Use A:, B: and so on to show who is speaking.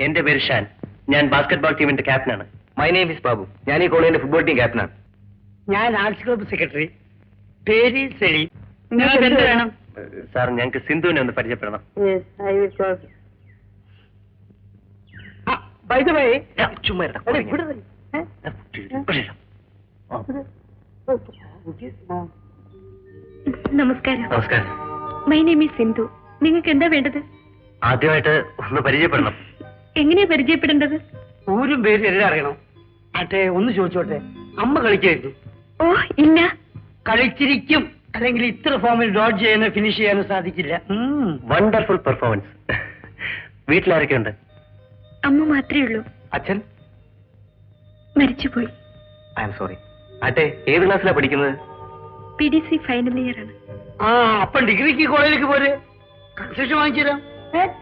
A: എന്റെ പേര് ഷാൻ. ഞാൻ ബാസ്കറ്റ്ബോൾ ടീമിന്റെ ക്യാപ്റ്റനാണ്.
B: My name is Babu. ഞാൻ ഈ കോളേജിന്റെ ഫുട്ബോൾ ടീം ക്യാപ്റ്റനാണ്.
C: ഞാൻ ആർട്സ് ക്ലബ്ബ് സെക്രട്ടറി. പേര് സെലി.
D: വേണം?
A: സാർ, ഞങ്ങൾക്ക് സിന്ധുവിനെ ഒന്ന് പരിചയപ്പെടണം. ചുമ്മാ
D: നമസ്കാരം.
A: നമസ്കാരം.
D: My name is Sindhu. നിങ്ങൾക്ക് എന്താ വേണ്ടത്?
A: ആദ്യമായിട്ട് ഒന്ന് പരിചയപ്പെടണം.
D: എങ്ങനെയാ പരിചയപ്പെടേണ്ടത്?
C: ഊരും പേര് എല്ലാം അറിയണം. അട്ടെ, ഒന്ന് ചോദിച്ചോട്ടെ, അമ്മ കളിക്കായിരുന്നു?
D: ഓ ഇല്ല.
C: കളിച്ചിരിക്കും, അല്ലെങ്കിൽ ഇത്ര ഫോമിൽ ഡോട്ട് ചെയ്യാനോ ഫിനിഷ് ചെയ്യാനോ സാധിക്കില്ല.
A: Wonderful performance. വീട്ടിലാരൊക്കെ ഉണ്ട്?
D: അമ്മ മാത്രമേ ഉള്ളൂ.
B: അച്ഛൻ
D: മരിച്ചുപോയി.
B: I am sorry. ആട്ടെ, ഏത് ക്ലാസ്സിലാണ് പഠിക്കുന്നത്?
D: PDC ഫൈനൽ ഇയർ ആണ്.
C: അപ്പം ഡിഗ്രിക്ക് കോളേജിലേക്ക് പോരെ, കൺസെഷൻ വാങ്ങിച്ചു തരാം.